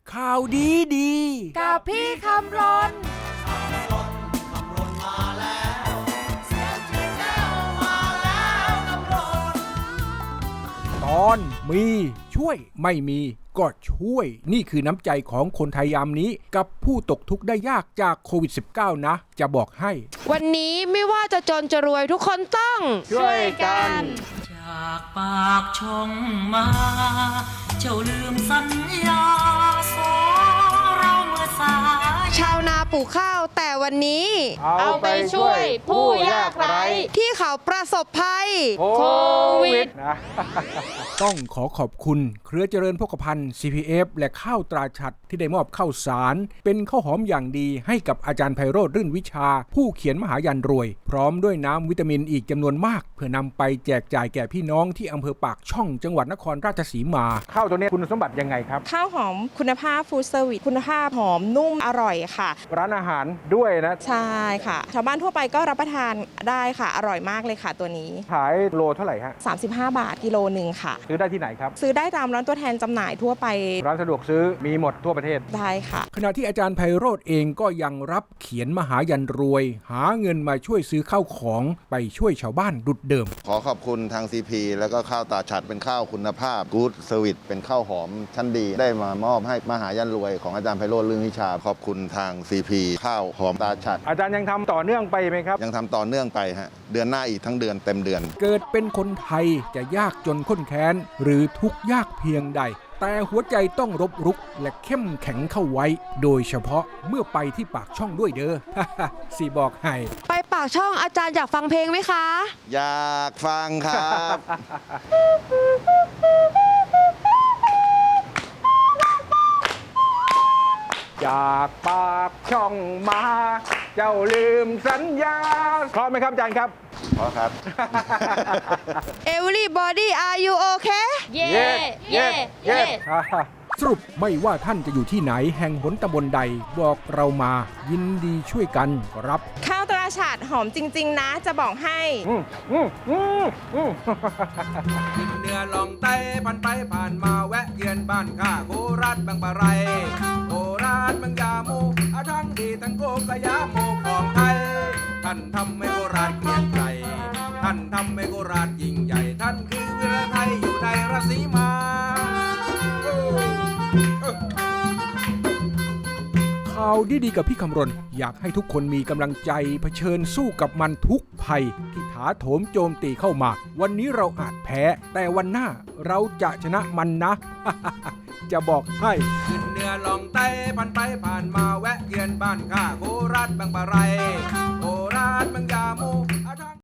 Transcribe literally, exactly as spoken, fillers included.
ข่าวดีดีกับพี่คำรนตอนมีช่วยไม่มีก็ช่วยนี่คือน้ำใจของคนไทยยามนี้กับผู้ตกทุกข์ได้ยากจากโควิด สิบเก้า นะจะบอกให้วันนี้ไม่ว่าจะจนจะรวยทุกคนต้องช่วยกันจากปากช่องมาเจ้าลืมสัญญาสองเราเมื่อสายชาวนาปลูกข้าวแต่วันนี้เอาไปช่วยผู้ยากไร้ที่เขาประสบภัยโควิดนะต้องขอขอบคุณเครือเจริญโภคภัณฑ์ ซี พี เอฟ และข้าวตราฉัตรที่ได้มอบข้าวสารเป็นข้าวหอมอย่างดีให้กับอาจารย์ไพโรจน์รื่นวิชาผู้เขียนมหายันรวยพร้อมด้วยน้ำวิตามินอีกจำนวนมากเพื่อนำไปแจกจ่ายแก่พี่น้องที่อำเภอปากช่องจังหวัดนครราชสีมาข้าวตัวนี้คุณสมบัติยังไงครับข้าวหอมคุณภาพฟู้ดเซอร์วิสคุณภาพหอมนุ่มอร่อยค่ะร้านอาหารด้วยนะใช่ค่ะชาวบ้านทั่วไปก็รับประทานได้ค่ะอร่อยมากเลยค่ะตัวนี้ขายโลเท่าไหร่ฮะสามสิบห้าบาทกิโลหนึ่งค่ะซื้อได้ที่ไหนครับซื้อได้ตามร้านตัวแทนจำหน่ายทั่วไปร้านสะดวกซื้อมีหมดทั่วประเทศได้ค่ะขณะที่อาจารย์ไพโรจน์เองก็ยังรับเขียนมหายันรวยหาเงินมาช่วยซื้อข้าวของไปช่วยชาวบ้านดุจเดิมขอขอบคุณทาง ซี พี แล้วก็ข้าวตาฉัตรเป็นข้าวคุณภาพ Good Service เป็นข้าวหอมชั้นดีได้มามอบให้มหายันรวยของอาจารย์ไพโรจน์ รื่นวิชาขอบคุณทาง ซี พี ข้าวหอมตาฉัตรอาจารย์ยังทำต่อเนื่องไปไหมครับยังทำต่อเนื่องไปฮะเดือนหน้าอีกทั้งเดือนเต็มเดือนเกิดเป็นคนไทยจะยากจนข้นแค้นหรือทุกข์ยากเพียงใดแต่หัวใจต้องรบรุกและเข้มแข็งเข้าไว้โดยเฉพาะเมื่อไปที่ปากช่องด้วยเด้อ สิบอกให้ไปปากช่องอาจารย์อยากฟังเพลงไหมคะอยากฟังครับจากปากช่องมาเจ้าลืมสัญญาพร้อมไหมครับอาจารย์ครับพร้อมครับ Everybody are you okay เย้เย้เย้สรุปไม่ว่าท่านจะอยู่ที่ไหนแห่งหนตำบลใดบอกเรามายินดีช่วยกันครับข้าวตราฉาดหอมจริงๆนะจะบอกให้กินเนื้อลองไต้ผ่านไปผ่านมาแวะเยือนบ้านข้าโคราชบางปะไรโคราชบางยาโมอาทั้งดีทั้งโกกะยาโมของไทยท่านทำให้โคราชเกลียงไกรท่านทำให้โคราชยิ่งใหญ่ท่านคือวีรไทยอยู่ในราศีมาข่าวดีๆกับพี่คำรณอยากให้ทุกคนมีกำลังใจเผชิญสู้กับมันทุกภัยที่ถาโถมโจมตีเข้ามาวันนี้เราอาจแพ้แต่วันหน้าเราจะชนะมันนะ จะบอกให้ขึ้นเหนือลองไต้ผ่านไปผ่านมาแวะเยือนบ้านข้าโคราชบางปะไรโค